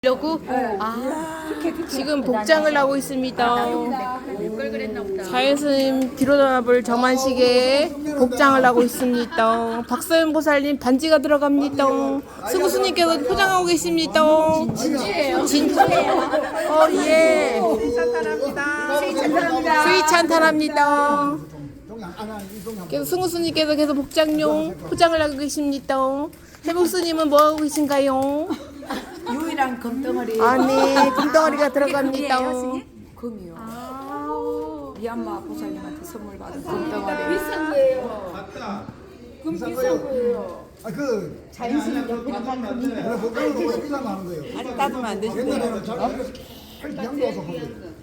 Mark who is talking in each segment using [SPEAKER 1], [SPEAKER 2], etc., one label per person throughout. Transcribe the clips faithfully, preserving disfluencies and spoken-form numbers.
[SPEAKER 1] 려고 아, 지금 복장을 하고 있습니다. 자연스님 뒤로 나볼 정만식에 복장을 하고 있습니다. 박서연 보살님 반지가 들어갑니다. 승우스님께서 포장하고 계십니다. 진지해요. 진지해요. 어, 예. 수위 찬탄합니다. 계속 승우스님께서 계속 복장용 포장을 하고 계십니다. 해복스님은 뭐 하고 계신가요?
[SPEAKER 2] 유일한 금덩어리.
[SPEAKER 1] 아니, 금덩어리가 들어갑니다.
[SPEAKER 2] 금이요. 아~ 미얀마 보살님한테 선물 받은 금덩어리.
[SPEAKER 3] 비싼 거예요. 맞다. 금 비싼 거예요.
[SPEAKER 4] 아, 그
[SPEAKER 3] 자연스러운 연금한 금이.
[SPEAKER 4] 그래 보통은 원래 비싸면 하는 거예요.
[SPEAKER 2] 아니 따지면 안 되지.
[SPEAKER 4] 옛날에는 잘 양도 와서 한 거예요.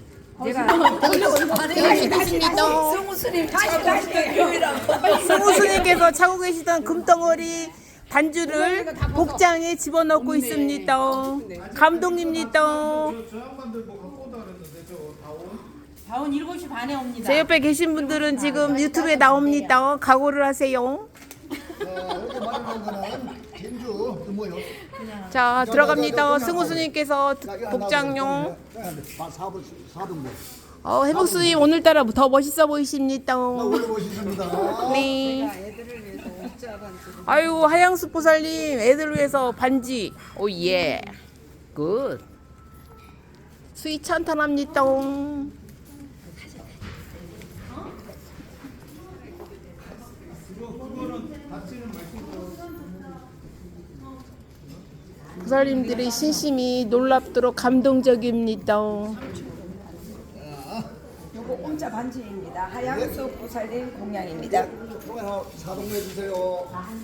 [SPEAKER 2] 내가
[SPEAKER 1] 계십니다.
[SPEAKER 2] 승우스님 차고 가시던 유일한 금덩어리.
[SPEAKER 1] 승우스님께서 차고 계시던 금덩어리 반주를 복장에 집어넣고 있습니다. 감동입니다.
[SPEAKER 3] 다운 일곱 시 반에 옵니다.
[SPEAKER 1] 제 옆에 계신 분들은 지금 유튜브에 나옵니다. 각오를 하세요.
[SPEAKER 4] 이렇게 말하는 거는 진주 그 뭐요?
[SPEAKER 1] 자, 들어갑니다. 승우스님께서 복장용.
[SPEAKER 4] 사분 사등분.
[SPEAKER 1] 어, 해복스님 오늘따라 더 멋있어 보이십니다.
[SPEAKER 4] 원래 멋있습니다.
[SPEAKER 1] 네. 아유, 하양수 보살님 애들 위해서 반지. 오 예. 굿. 수위 찬탄합니다. 보살님들의 신심이 놀랍도록 감동적입니다.
[SPEAKER 2] 요거 옴자 반지입니다. 하양수 보살님 공양입니다.
[SPEAKER 4] 통화 사등분 해주세요.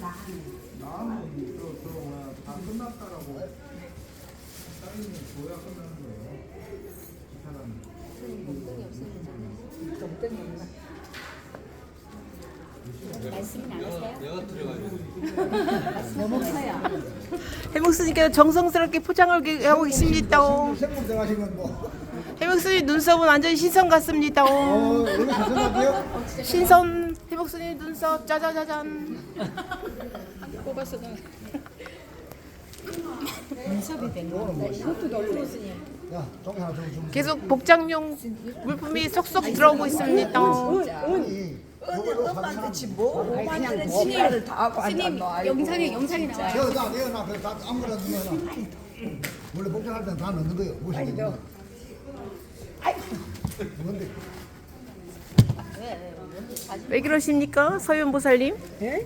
[SPEAKER 1] 해묵스님께서 정성스럽게 포장을 하고 계십니다.
[SPEAKER 4] 생물 들어가시면 뭐.
[SPEAKER 1] 해묵스님 눈썹은 완전히 신선 같습니다.
[SPEAKER 4] 어, 여기 가져가세요.
[SPEAKER 1] 신선 해묵스님 눈썹 짜자자잔.
[SPEAKER 4] 야, 종이 하나 더 좀.
[SPEAKER 1] 계속 복장용 물품이 쏙쏙 들어오고 있습니다.
[SPEAKER 4] 아니, 요걸로
[SPEAKER 2] 엄마한테 지금 뭐 오만원을 신의를 다 하고 앉았노.
[SPEAKER 3] 영상에 영상이 나와요.
[SPEAKER 4] 여기다 내어놔. 그래 다 아무거나 넣어놔. 원래 복장할 때는 다 넣는 거예요. 무엇이든. 뭔데?
[SPEAKER 1] 왜 그러십니까, 서윤 보살님?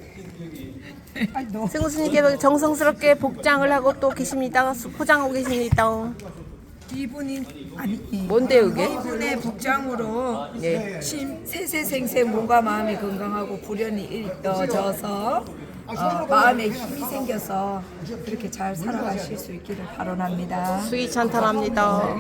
[SPEAKER 1] 승우스님께서 정성스럽게 복장을 하고 또 계십니다. 포장하고 계십니다.
[SPEAKER 2] 이분이 아니
[SPEAKER 1] 뭔데 이게?
[SPEAKER 2] 이분의 복장으로
[SPEAKER 1] 네.
[SPEAKER 2] 심 세세생세 몸과 마음이 건강하고 불연이 일떠져서 어, 마음에 힘이 생겨서 그렇게 잘 살아가실 수 있기를 바라랍니다.
[SPEAKER 1] 수위 찬탄합니다.